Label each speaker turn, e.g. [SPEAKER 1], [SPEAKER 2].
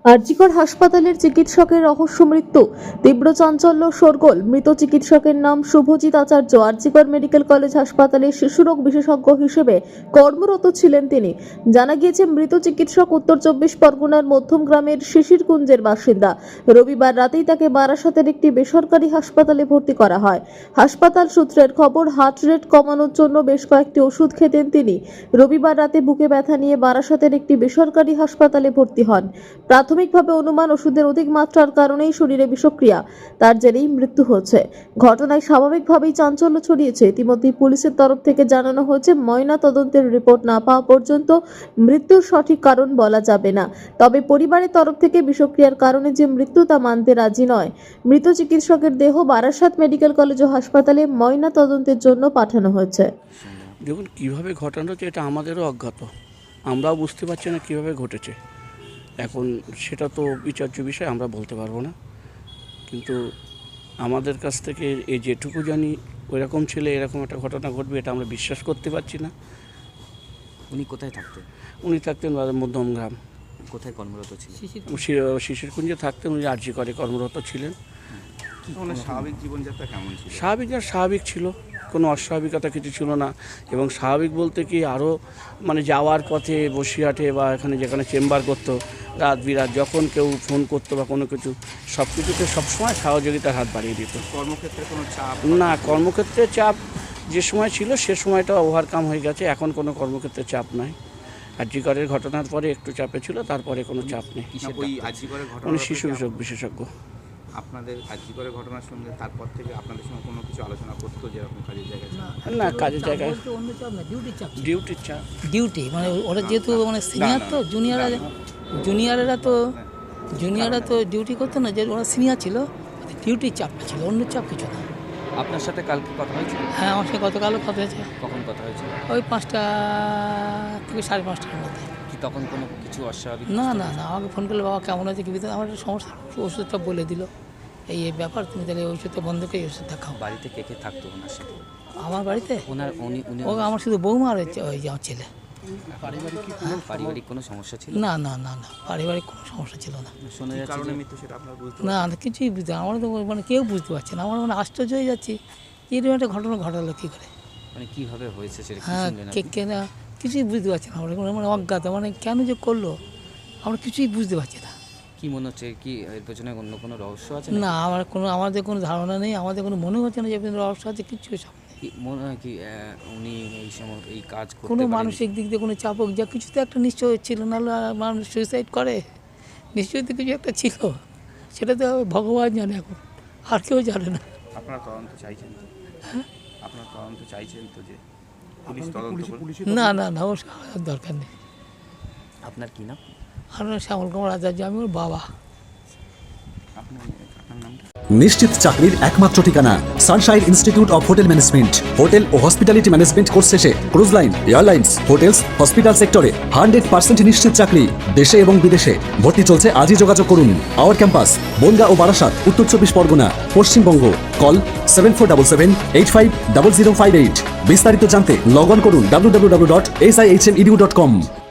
[SPEAKER 1] আরজিকর হাসপাতালের চিকিৎসকের রহস্য মৃত্যু, তীব্র চাঞ্চল্য শোরগোল। মৃত চিকিৎসকের নাম শুভজিৎ আচার্য। আরজিকর মেডিকেল কলেজ হাসপাতালে শিশুরোগ বিশেষজ্ঞ হিসেবে কর্মরত ছিলেন তিনি। জানা গিয়েছে, মৃত চিকিৎসক উত্তর 24 পরগনার মধ্যম গ্রামের শিশিরকুঞ্জের বাসিন্দা। রবিবার রাতেই তাকে বারাসাতের একটি বেসরকারি হাসপাতালে ভর্তি করা হয়। হাসপাতাল সূত্রের খবর, হার্ট রেট কমানোর জন্য বেশ কয়েকটি ওষুধ খেতেন তিনি। রবিবার রাতে বুকে ব্যথা নিয়ে বারাসাতের একটি বেসরকারি হাসপাতালে ভর্তি হন। প্রাথমিকভাবে অনুমান, ওষুধের অধিক মাত্রার কারণেই শরীরে বিষক্রিয়া, তার জেরেই মৃত্যু হচ্ছে। ঘটনায় স্বাভাবিকভাবেই চাঞ্চল্য ছড়িয়েছে। ইতিমধ্যে পুলিশের তরফ থেকে জানানো হয়েছে, ময়না তদন্তের রিপোর্ট না পাওয়া পর্যন্ত মৃত্যুর সঠিক কারণ বলা যাবে না। তবে পরিবারের তরফ থেকে বিষক্রিয়ার কারণে যে মৃত্যু তা মানতে রাজি নয়। মৃত চিকিৎসকের দেহ বারাসাত মেডিকেল কলেজ ও হাসপাতালে ময়না তদন্তের জন্য পাঠানো হয়েছে।
[SPEAKER 2] দেখুন, কীভাবে ঘটানো হচ্ছে এটা আমাদেরও অজ্ঞাত, আমরাও বুঝতে পারছি না কীভাবে ঘটেছে। এখন সেটা তো বিচার্য বিষয়, আমরা বলতে পারবো না। কিন্তু আমাদের কাছ থেকে এই যেটুকু জানি, ওইরকম ছেলে এরকম একটা ঘটনা ঘটবে এটা আমরা বিশ্বাস করতে পারছি না।
[SPEAKER 3] উনি কোথায় থাকতেন?
[SPEAKER 2] উনি থাকতেন মধ্যম গ্রাম।
[SPEAKER 3] কোথায় কর্মরত ছিলেন?
[SPEAKER 2] শিশিরকুঞ্জে থাকতেন। উনি আরজিকরে কর্মরত ছিলেন।
[SPEAKER 3] স্বাভাবিক জীবনযাত্রা কেমন ছিল?
[SPEAKER 2] স্বাভাবিক ছিল, কোনো অস্বাভাবিকতা কিছু ছিল না। এবং স্বাভাবিক বলতে কি, আরও মানে যাওয়ার পথে বসিরহাটে বা এখানে যেখানে চেম্বার করতো, রাত বিরাত যখন কেউ ফোন করতো বা কোনো কিছু, সব কিছুতে সবসময় সহযোগিতার হাত বাড়িয়ে দিত।
[SPEAKER 3] কর্মক্ষেত্রে কোনো চাপ?
[SPEAKER 2] না, কর্মক্ষেত্রে চাপ যে সময় ছিল সে সময়টা ওভারকাম হয়ে গেছে। এখন কোনো কর্মক্ষেত্রে চাপ নাই। আরজিকরের ঘটনার পরে একটু চাপে ছিল, তারপরে কোনো চাপ নেই। উনি শিশু বিশেষজ্ঞ।
[SPEAKER 3] আপনাদের আরজিকরের ঘটনার সঙ্গে তারপর থেকে আপনাদের সঙ্গে কোনো কিছু আলোচনা করতো, যেরকম কাজের জায়গায়?
[SPEAKER 2] না, কাজের জায়গায় ডিউটির চাপ।
[SPEAKER 4] ডিউটি মানে ওরা যেহেতু মানে সিনিয়র, তো জুনিয়ররা তো ডিউটি করতো না, যে ওরা সিনিয়র ছিল, ডিউটির চাপটা ছিল, অন্য চাপ কিছু না।
[SPEAKER 3] আপনার সাথে কালকে কথা হয়েছিল?
[SPEAKER 4] হ্যাঁ, আমার সাথে গতকালও কথা হয়েছে।
[SPEAKER 3] কখন কথা হয়েছিল?
[SPEAKER 4] ওই 5টা থেকে 5:30টার মধ্যে।
[SPEAKER 3] কি তখন কোনো কিছু অস্বাভাবিক?
[SPEAKER 4] না, আমাকে ফোন করলে, বাবা কেমন আছে, কি ভিতরে আমার একটা সমস্যা, ওষুধটা বলে দিল, এই ব্যাপার, তুমি তাহলে ওই ওষুধটা বন্ধ করে এই ওষুধটা খাও।
[SPEAKER 3] বাড়িতে কে কে থাকতো ওনার সাথে?
[SPEAKER 4] আমার বাড়িতে
[SPEAKER 3] উনি
[SPEAKER 4] আমার শুধু বৌমা আর ওই যে আমার ছেলে।
[SPEAKER 3] পারিবারিক কোনো সমস্যা ছিল?
[SPEAKER 4] না, পারিবারিক কোনো সমস্যা ছিল না।
[SPEAKER 3] শোনা যাচ্ছে মৃত্যু, সেটা আপনারা বুঝতে?
[SPEAKER 4] না, কিছুই বুঝতে, আমরা তো মানে কেউ বুঝতে পারছে না। আমরা মানে আশ্চর্য হয়ে যাচ্ছি, এরকম একটা ঘটনা ঘটালো কী করে,
[SPEAKER 3] মানে কীভাবে হয়েছে সেটা?
[SPEAKER 4] হ্যাঁ, কেনা কিছুই বুঝতে পারছি না আমরা, মানে অজ্ঞাত, মানে কেন যে করলো আমরা কিছুই বুঝতে পারছি না।
[SPEAKER 3] কি মনে হচ্ছে, কি এর পেছনে অন্য কোনো রহস্য আছে?
[SPEAKER 4] না, আমাদের কোনো ধারণা নেই, আমাদের কোনো মনে হচ্ছে না যে রহস্য আছে, কিছু সব
[SPEAKER 3] মনে হয় কি উনি এই সময় এই কাজ করতে
[SPEAKER 4] কোনো মানসিক দিক দিয়ে কোনো চাপ হোক, যা কিছু তো একটা নিশ্চয় ছিল, নাহলে মানুষ সুইসাইড করে, নিশ্চয়ই তো কিছু একটা ছিল, সেটা তো ভগবান জানে, এখন আর কেউ জানে না।
[SPEAKER 3] আপনারা তদন্ত চাইছেন তো?
[SPEAKER 4] হ্যাঁ,
[SPEAKER 3] আপনারা তদন্ত চাইছেন তো, যে পুলিশ তদন্ত করবে?
[SPEAKER 4] না, ওর দরকার নেই।
[SPEAKER 3] আপনার কি নাম?
[SPEAKER 4] আমার শ্যামল কুমার আচার্য, আমি ওর বাবা।
[SPEAKER 3] আপনার নামটা?
[SPEAKER 5] নিশ্চিত চাকরির একমাত্র ঠিকানা Sunshine Institute of Hotel Management. Hotel ও হসপিটালিটি ম্যানেজমেন্ট কোর্স শেষে cruise line, airlines, hotels, hospital সেক্টরে 100% নিশ্চিত চাকরি দেশে এবং বিদেশে। ভর্তি চলছে, আজই যোগাযোগ করুন। আওয়ার ক্যাম্পাস বনগাঁ ও বারাসাত, উত্তর 24 পরগনা, পশ্চিমবঙ্গ। কল 7477850058। বিস্তারিত জানতে লগ অন করুন www.sihmedu.com।